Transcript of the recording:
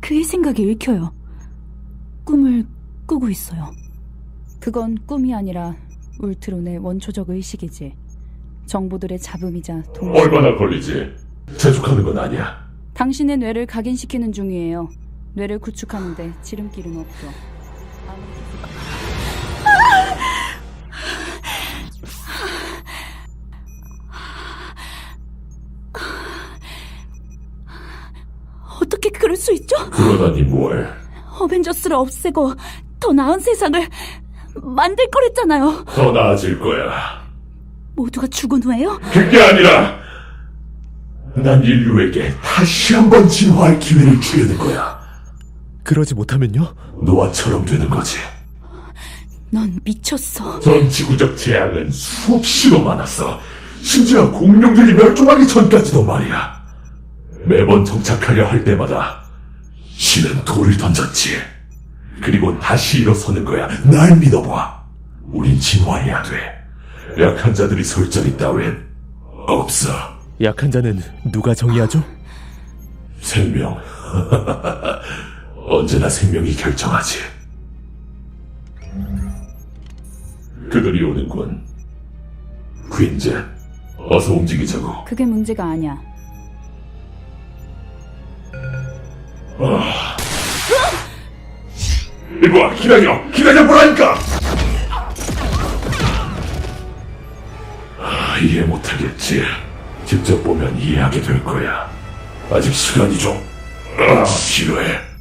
그의 생각에 읽혀요. 꿈을 꾸고 있어요. 그건 꿈이 아니라 울트론의 원초적 의식이지. 정보들의 잡음이자 동시. 얼마나 걸리지? 재촉하는 건 아니야. 당신의 뇌를 각인시키는 중이에요. 뇌를 구축하는데 지름길은 없죠. 어떻게 그럴 수 있죠? 그러다니 뭘? 어벤져스를 없애고 더 나은 세상을 만들 거랬잖아요. 더 나아질 거야. 모두가 죽은 후에요? 그게 아니라 난 인류에게 다시 한번 진화할 기회를 주려는 거야. 그러지 못하면요? 노아처럼 되는 거지. 넌 미쳤어. 전 지구적 재앙은 수없이도 많았어. 심지어 공룡들이 멸종하기 전까지도 말이야. 매번 정착하려 할 때마다 신은 돌을 던졌지. 그리고 다시 일어서는 거야. 날 믿어봐. 우린 진화해야 돼. 약한 자들이 설 자리 따윈 없어. 약한 자는 누가 정의하죠? 생명. 언제나 생명이 결정하지. 그들이 오는군. 퀸즈, 어서 움직이자고. 그게 문제가 아니야. 이봐, 기다려보라니까! 이해 못하겠지. 직접 보면 이해하게 될 거야. 아직 시간이 좀 필요해.